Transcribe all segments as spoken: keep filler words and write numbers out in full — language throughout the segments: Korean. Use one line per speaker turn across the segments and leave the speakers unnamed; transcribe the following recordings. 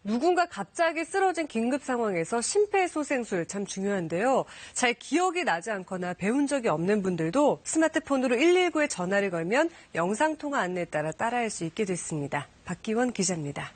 누군가 갑자기 쓰러진 긴급 상황에서 심폐소생술 참 중요한데요. 잘 기억이 나지 않거나 배운 적이 없는 분들도 스마트폰으로 일일구에 전화를 걸면 영상통화 안내에 따라 따라할 수 있게 됐습니다. 박기원 기자입니다.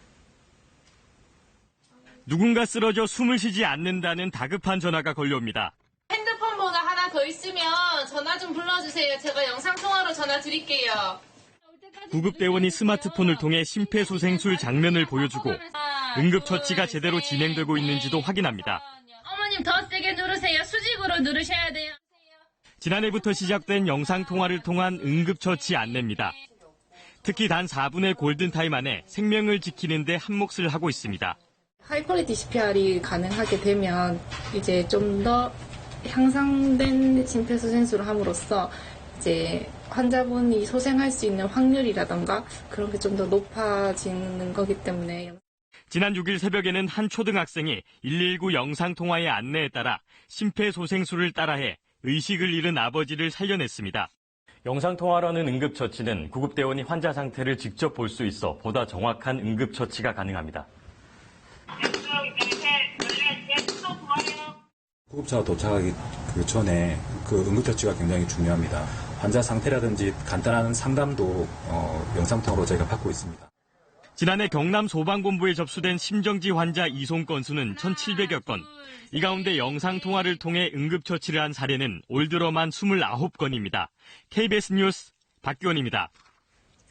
누군가 쓰러져 숨을 쉬지 않는다는 다급한 전화가 걸려옵니다.
핸드폰 번호 하나 더 있으면 전화 좀 불러주세요. 제가 영상통화로 전화 드릴게요.
구급대원이 스마트폰을 통해 심폐소생술 장면을 보여주고 응급처치가 제대로 진행되고 있는지도 확인합니다.
어머님 더 세게 누르세요. 수직으로 누르셔야 돼요.
지난해부터 시작된 영상통화를 통한 응급처치 안내입니다. 특히 단 사 분의 골든타임 안에 생명을 지키는 데 한몫을 하고 있습니다.
하이 퀄리티 씨피알이 가능하게 되면 이제 좀 더 향상된 심폐소생술을 함으로써 이제 환자분이 소생할 수 있는 확률이라던가 그런 게 좀 더 높아지는 거기 때문에.
지난 육 일 새벽에는 한 초등학생이 일일구 영상통화의 안내에 따라 심폐소생술을 따라해 의식을 잃은 아버지를 살려냈습니다. 영상통화라는 응급처치는 구급대원이 환자 상태를 직접 볼 수 있어 보다 정확한 응급처치가 가능합니다.
구급차가 도착하기 그 전에 그 응급처치가 굉장히 중요합니다. 환자 상태라든지 간단한 상담도 어, 영상통화로 저희가 받고 있습니다.
지난해 경남 소방본부에 접수된 심정지 환자 이송 건수는 천칠백여 건. 이 가운데 영상통화를 통해 응급처치를 한 사례는 올 들어만 이십구 건입니다. 케이비에스 뉴스 박기원입니다.